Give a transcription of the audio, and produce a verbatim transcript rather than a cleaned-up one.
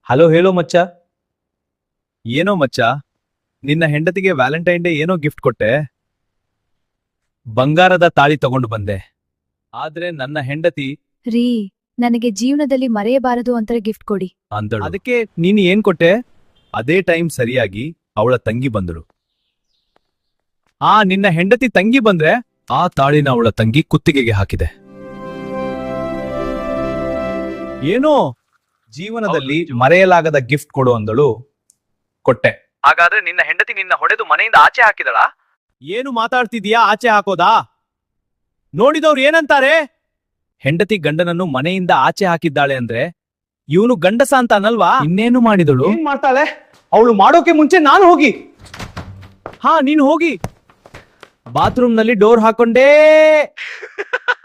Hello ಹೇಳೋ ಮಚ್ಚ. ಏನೋ ಮಚ್ಚ, ನಿನ್ನ ಹೆಂಡತಿಗೆ ವ್ಯಾಲೆಂಟೈನ್ ಡೇ ಏನೋ ಗಿಫ್ಟ್ ಕೊಟ್ಟೆ. ಬಂಗಾರದ ತಾಳಿ ತಗೊಂಡು ಬಂದೆ. ಆದ್ರೆ ನನ್ನ ಹೆಂಡತಿ ರೀ, ನನಗೆ ಜೀವನದಲ್ಲಿ ಮರೆಯಬಾರದು ಅಂತ ಗಿಫ್ಟ್ ಕೊಡಿ. ಅಂದಳು. ಅದಕ್ಕೆ ನೀನು ಏನ್ ಕೊಟ್ಟೆ? ಅದೇ ಟೈಮ್ ಸರಿಯಾಗಿ ಅವಳ ತಂಗಿ ಬಂದಳು. ಆ ನಿನ್ನ ಹೆಂಡತಿ ತಂಗಿ ಬಂದ್ರೆ ಆ ತಾಳಿನ ಅವಳ ತಂಗಿ ಕುತ್ತಿಗೆಗೆ ಹಾಕಿದೆ. ಏನೋ ಜೀವನದಲ್ಲಿ ಮರೆಯಲಾಗದ ಗಿಫ್ಟ್ ಕೊಡು ಅಂದಳು. ಕೊಟ್ಟೆ. ಹಾಗಾದ್ರೆ ನಿನ್ನ ಹೆಂಡತಿ ನಿನ್ನ ಹೊಡೆದು ಮನೆಯಿಂದ ಆಚೆ ಹಾಕಿದಳಾ? ಏನು ಮಾತಾಡ್ತಿದೀಯಾ? ಆಚೆ ಹಾಕೋದಾ? ನೋಡಿದವ್ರು ಏನಂತಾರೆ? ಹೆಂಡತಿ ಗಂಡನನ್ನು ಮನೆಯಿಂದ ಆಚೆ ಹಾಕಿದ್ದಾಳೆ ಅಂದ್ರೆ ಇವನು ಗಂಡಸ ಅಂತ ಅನ್ನಲ್ವಾ? ಇನ್ನೇನು ಮಾಡಿದಳು? ಏನ್ ಮಾಡ್ತಾಳೆ ಅವಳು? ಮಾಡೋಕೆ ಮುಂಚೆ ನಾನು ಹೋಗಿ ಹಾ ನೀನು ಹೋಗಿ ಬಾತ್ರೂಮ್ ನಲ್ಲಿ ಡೋರ್ ಹಾಕೊಂಡೇ